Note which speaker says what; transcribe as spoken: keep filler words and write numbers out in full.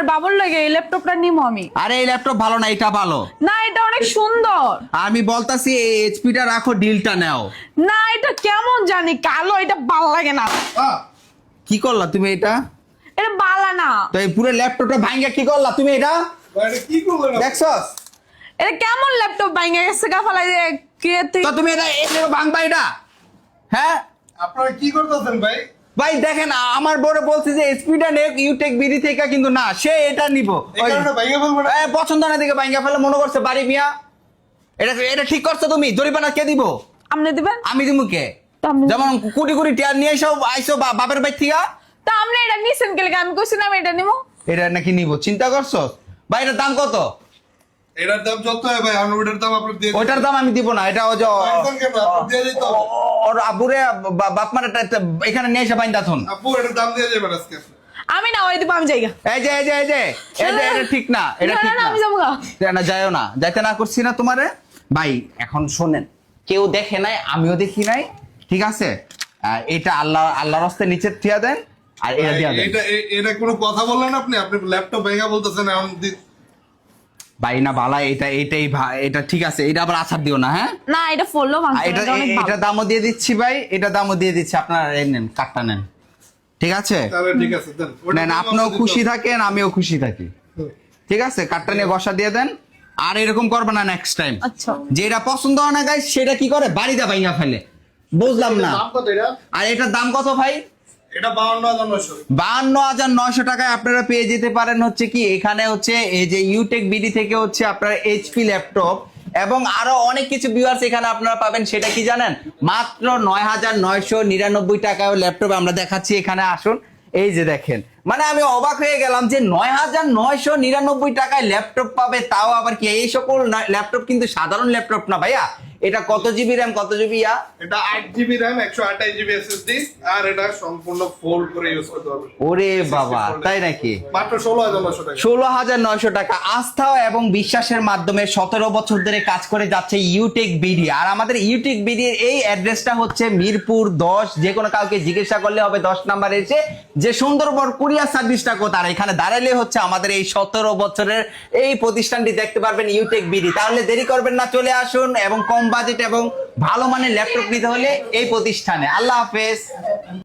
Speaker 1: বাবুর লাগে এই ল্যাপটপটা নিবো আমি।
Speaker 2: আরে এই ল্যাপটপ ভালো না, এটা ভালো
Speaker 1: না এটা অনেক সুন্দর।
Speaker 2: আমি বলতাছি এই এইচপিটা রাখো, ডিলটা নাও।
Speaker 1: না এটা কেমন জানি কালো, এটা ভালো লাগে না।
Speaker 2: কি করলা তুমি এটা?
Speaker 1: এটা বালা না।
Speaker 2: তো এই পুরো ল্যাপটপটা ভাঙা কি করলা তুমি এটা?
Speaker 3: কি করলেন
Speaker 2: দেখছস
Speaker 1: এটা কেমন ল্যাপটপ ভাঙে গেছে গা ফালাই দিয়ে কে তুই?
Speaker 2: তো তুমি এটা এই ভাঙবা এটা? হ্যাঁ
Speaker 3: আপনারা কি করতেছেন ভাই?
Speaker 2: ভাই দেখেন আমার বড় বলছে যে স্পিডা নেক ইউটেক বিডি থেকে, কিন্তু না সে এটা নিব
Speaker 3: এই কারণে ভাইয়া বলবো না।
Speaker 2: এ, পছন্দ না দিকে ভাঙা ফেলে মনে করছে বাড়ি মিয়া। এটা এটা ঠিক করছো তুমি? জরিমানা কে দিব?
Speaker 1: আপনি দিবেন?
Speaker 2: আমি দিব কে?
Speaker 1: তা আপনি-
Speaker 2: যেমন কোটি কোটি টিয়ার নিয়ে এসো আইসো বা- বাপের বাড়ি থেকে।
Speaker 1: তা আপনি এটা নিছেন কে লাগে? আমি কইছি না আমি এটা নিবো।
Speaker 2: এটা নাকি নিব, চিন্তা করছো? ভাই এটার দাম কত?
Speaker 3: এটার দাম যত হয় ভাই, আমি ওটার দাম আপনার দিয়ে
Speaker 2: ওইটার দাম আমি দিব না, এটা ওই যে
Speaker 3: পাইছেন কেন? আপনার দিয়ে দিতে হবে।
Speaker 2: ওর আবুরে বা- বাপ মার এখানে নিয়ে এসে বাইন্দা থন।
Speaker 3: আপু এটার দাম দিয়ে যাবেন আজকে।
Speaker 1: আমি না ওই দিব, আমি যাইগা।
Speaker 2: এই যে এই যে এই যে এই যে এটা ঠিক না, এটা
Speaker 1: না,
Speaker 2: ঠিক
Speaker 1: না,
Speaker 2: না।
Speaker 1: আমি যাবো গা।
Speaker 2: না যাইও না, যাইতে না করছি না তোমারে। ভাই এখন শোনেন, কেউ দেখে নাই, আমিও দেখি নাই, ঠিক আছে? আহ, এটা আল্লাহ আল্লাহর রাস্তায় নিচে থিয়া দেন আর এটা দিয়া দেন।
Speaker 3: এটা এ- এটা কোনো কথা বললেন আপনি? আপনি ল্যাপটপ ভেঙে বলতেছেন এখন দি-
Speaker 2: ভাই না বালা, এটা এটাই ভা- এটা ঠিক আছে, এটা আবার আছাড় দিও না, হ্যাঁ?
Speaker 1: না এটা ফলো
Speaker 2: আর
Speaker 1: ভাঙছে
Speaker 2: এটা
Speaker 1: এটা অনেক
Speaker 2: এ- এটা
Speaker 1: ভালো।
Speaker 2: দামও দিয়ে দিচ্ছি ভাই, এটা দামও দিয়ে দিচ্ছি, আপনারা এই নেন, কার্ডটা নেন, ঠিক আছে?
Speaker 3: তাহলে ঠিক আছে দেন। ওটার
Speaker 2: নেন,
Speaker 3: দাম
Speaker 2: আপনিও
Speaker 3: আমাদের
Speaker 2: খুশি
Speaker 3: দিতে
Speaker 2: থাকেন, আমিও খুশি থাকি,
Speaker 3: হবে।
Speaker 2: ঠিক আছে? কার্ডটা নিয়ে বসা দিয়ে দেন, আর এরকম করবে না নেক্সট টাইম।
Speaker 1: আচ্ছা
Speaker 2: যেটা পছন্দ হয় না গাইস সেটা কি করে বাড়িতে ভাঙা ফেলে, বুঝলাম না।
Speaker 3: দাম কত এটা?
Speaker 2: আর এটার দাম কত ভাই?
Speaker 3: এটা বাউন্ন হাজার নয়শো।
Speaker 2: বাহান্ন হাজার নয়শো টাকায় আপনারা পেয়ে যেতে পারেন হচ্ছে কি, এখানে হচ্ছে এই যে ইউটেক বিডি থেকে হচ্ছে আপনারা এইচপি ল্যাপটপ এবং আরো অনেক কিছু ভিউয়ার্স এখানে আপনারা পাবেন। সেটা কি জানেন? মাত্র নয় হাজার নয়শো নিরানব্বই টাকায় ল্যাপটপ আমরা দেখাচ্ছি, এখানে আসুন। এই যে দেখেন, মানে আমি অবাক হয়ে গেলাম যে নয় হাজার নয়শো নিরানব্বই টাকায় ল্যাপটপ পাবে, তাও আবার কি এই সকল ল্যাপটপ কিন্তু সাধারণ ল্যাপটপ না ভাইয়া। এটা কত জিবি র্যাম, কত জিবি ইয়া?
Speaker 3: এটা আট জিবি র্যাম, একশো আঠাশ জিবি এসএসডি, আর এটা সম্পূর্ণ ফোল্ড করে ইউজ করতে পারবেন।
Speaker 2: ওরে বাবা, তাই নাকি?
Speaker 3: মাত্র ষোলো হাজার নয়শো টাকা।
Speaker 2: ষোলো হাজার নয়শো টাকা। আস্থা এবং বিশ্বাসের মাধ্যমে সতেরো বছর ধরে কাজ করে যাচ্ছে ইউটেক বিডি। আর আমাদের ইউটেক বিডির এই অ্যাড্রেসটা হচ্ছে মিরপুর দশ। যে কোনো কাউকে জিজ্ঞাসা করলে হবে দশ নাম্বার এসে যে সুন্দরবন কুরিয়ার সার্ভিসটা কোথায়, আর এখানে দাঁড়ালে হচ্ছে আমাদের এই সতেরো বছরের এই প্রতিষ্ঠানটি দেখতে পারবেন, ইউটেক বিডি। তাহলে দেরি করবেন না, চলে আসুন এবং কম বাজেট এবং ভালো মানের ল্যাপটপ নিতে হলে এই প্রতিষ্ঠানে। আল্লাহ হাফেজ।